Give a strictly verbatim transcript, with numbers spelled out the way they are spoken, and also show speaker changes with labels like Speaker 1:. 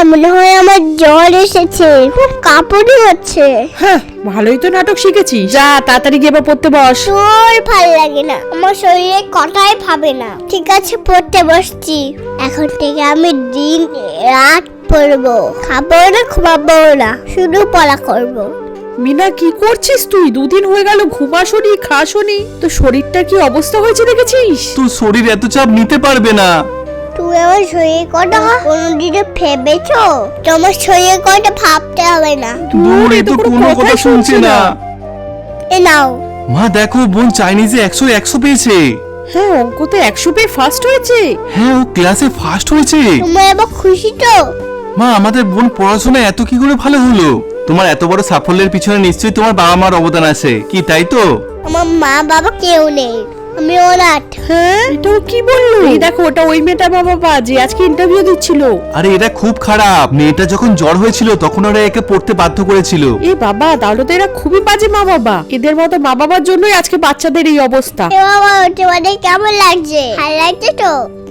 Speaker 1: মনে হয় আমার জ্বর এসেছে, খুব কাঁপুনি হচ্ছে।
Speaker 2: হ্যাঁ, ভালোই তো নাটক শিখেছিস, যা তাড়াতাড়ি গিয়ে এবার পড়তে বস।
Speaker 1: তোর ভালো লাগে না, আমার শরীরে কটাই ভাবে না। ঠিক আছে, পড়তে বসছি। এখন থেকে আমি দিন রাত পড়বো, খাবো না ঘুমাবো না, শুধু পড়া করবো।
Speaker 2: মিনা, কি করছিস তুই? দুদিন হয়ে গেল ঘুমাসনি খাসনি, তো শরীরটা কি অবস্থা হয়েছে দেখেছিস?
Speaker 3: তোর শরীর এত চাপ নিতে পারবে না।
Speaker 1: তুই আমার শরীরের কথা কোনোদিনও ভেবেছো? তোমার শরীরের কথা ভাবতে হবে না।
Speaker 3: দূর, এ তো কোনো কথা শুনছে না।
Speaker 1: এ নাও।
Speaker 3: মা দেখো, বোন চাইনিজে একশো একশো পেয়েছে।
Speaker 2: হ্যাঁ, অঙ্কতে একশো পেয়ে ফার্স্ট হয়েছে।
Speaker 3: হ্যাঁ, ও ক্লাসে ফার্স্ট হয়েছে।
Speaker 1: তুমি এবার খুশি তো?
Speaker 3: মা, আমাদের বোন পড়াশোনায় এত কি করে ভালো হলো? তোমার এত বড় সাফল্যের পিছনে নিশ্চয়ই তোমার বাবা মার অবদান আছে, কি তাই তো?
Speaker 1: আমার মা বাবা কেউ নেই, আমি অনাথ।
Speaker 2: হ্যাঁ, এটাও কি বললো? এই দেখো, ওটা ওই মেয়েটা বাবা যে আজকে ইন্টারভিউ দিচ্ছিল।
Speaker 3: আরে এটা খুব খারাপ। মেয়েটা যখন জ্বর হয়েছিল তখন ওরা একে পড়তে বাধ্য করেছিল।
Speaker 2: এ বাবা, তাহলে তো এরা খুবই বাজে মা বাবা। এদের মতো মা বাবার জন্যই আজকে বাচ্চাদের এই অবস্থা।
Speaker 1: এ বাবা, তোমাদের কেমন লাগছে? ভালো লাগছে তো?